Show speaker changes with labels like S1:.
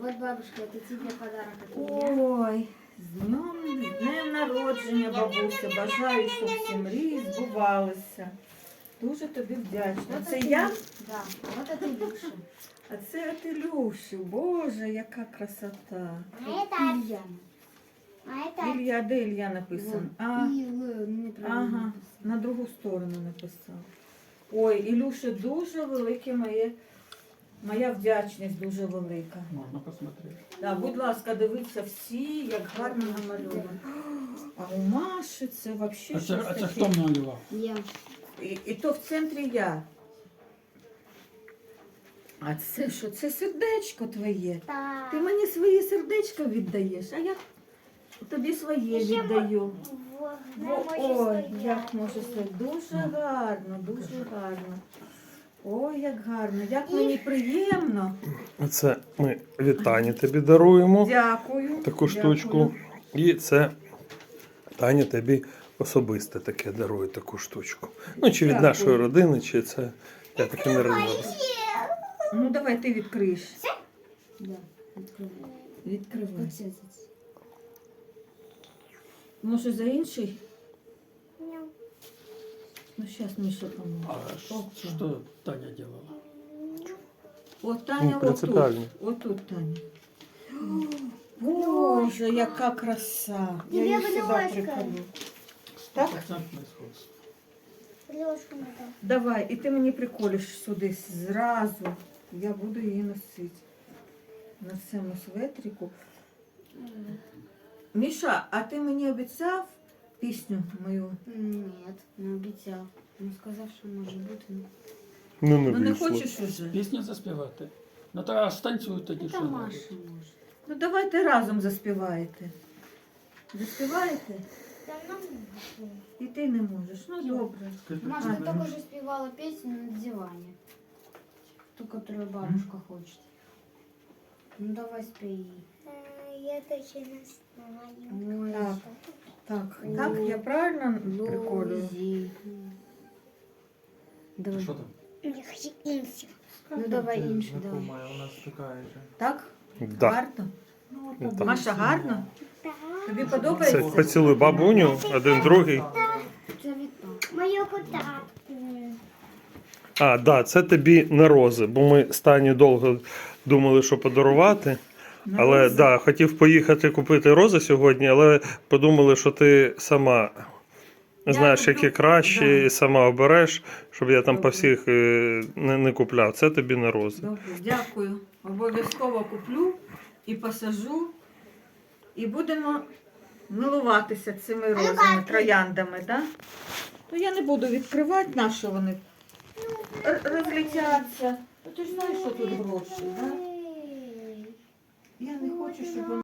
S1: Вот, бабушка, это тебе подарок от меня.
S2: Ой, з днем народження, бабуся. Бажаю, щоб всі мрії збувалися. Дуже тобі вдячна.
S1: Вот
S2: Це
S1: это
S2: я?
S1: Да, вот это Илюша.
S2: А це от Ілюші. Боже, яка красота.
S3: А это,
S1: Илья.
S3: а это,
S2: Ілля, де Ілля написано? А,
S1: неправильно
S2: ага,
S1: написано.
S2: на другу сторону написав. Ой, Ілюша, дуже велике моя вдячність дуже велика.
S4: Можна посмотрети.
S2: Да, будь ласка, дивіться всі, як гарно намальовано. А у Маші це взагалі
S4: А
S2: щось
S4: це
S2: таке.
S4: хто малював?
S1: Я.
S2: І то в центрі я. А це що? Це сердечко твоє.
S3: та,
S2: Ти мені своє сердечко віддаєш, а я тобі своє віддаю. Ой, як може це дуже гарно, дуже гарно. Ой, як гарно, як мені приємно.
S5: Це ми вітання тобі даруємо,
S2: Дякую.
S5: таку
S2: дякую.
S5: штучку. І це Таня тобі особисто таке дарує таку штучку. Ну, чи від
S2: Дякую.
S5: нашої родини, чи це я таке не розумію.
S2: Ну давай ти відкриєш.
S1: Да, открывай.
S2: Відкривай.
S1: Вот это.
S2: Може за інший? Ну зараз Міша поможе.
S4: А що Таня робила?
S2: От Таня
S5: Ну,
S2: отут.
S5: принципіально.
S2: Отут Таня. Боже, яка краса. Я її
S3: Тебе
S2: сюди
S3: ложка.
S2: приколю. Так?
S4: Процентне сходство.
S3: Лёшку надо.
S2: Давай, і ти мені приколиш сюди зразу. Я буду її носити. На цьому светрику. Міша, а ти мені обіцяв пісню мою?
S1: Нет, не обіцяв. Ну, сказав, що може бути.
S5: Ну, не
S2: Ну не
S5: вийшло.
S2: хочеш уже?
S4: Пісню заспівати? Ну то станцюй тоді,
S1: Та
S4: що
S1: Маша
S4: робити.
S1: може.
S2: Ну давайте разом заспіваєте. Заспіваєте?
S3: Да, ну,
S2: І ти не можеш. Ну добре.
S1: Маша,
S2: Ага.
S1: ты только что спевала песню на диване. Ту, которую бабушка хочет. Ну давай спей.
S3: я точно знаю.
S1: Ой,
S2: Так. Так, так, я правильно приколюю?
S1: Лузи. Давай.
S4: Що там?
S3: Я хочу инсик.
S1: Ну давай іншу, давай.
S6: У нас такая же.
S2: Так?
S5: Да.
S2: Гарно?
S5: Так.
S2: Маша, гарно?
S3: Да.
S2: Тобі
S5: Це
S2: подобається?
S5: поцілуй бабуню, один другий.
S1: Це від папи.
S3: Мою подарку.
S5: А, да, це тобі на рози, бо ми з Танею довго думали, що подарувати. Але да, хотів поїхати купити рози сьогодні, але подумали, що ти сама знаєш,
S2: куплю.
S5: які краще,
S2: Да.
S5: і сама обереш, щоб я там по
S2: Добре.
S5: всіх не купляв. Це тобі на рози.
S2: Добре, дякую. Обов'язково куплю і посажу. І будемо милуватися цими розами, трояндами, так? Да? Ну я не буду відкривати, на що вони розлетяться. Ну, ти ж знаєш, що тут гроші, так? Да? Я не хочу, щоб вони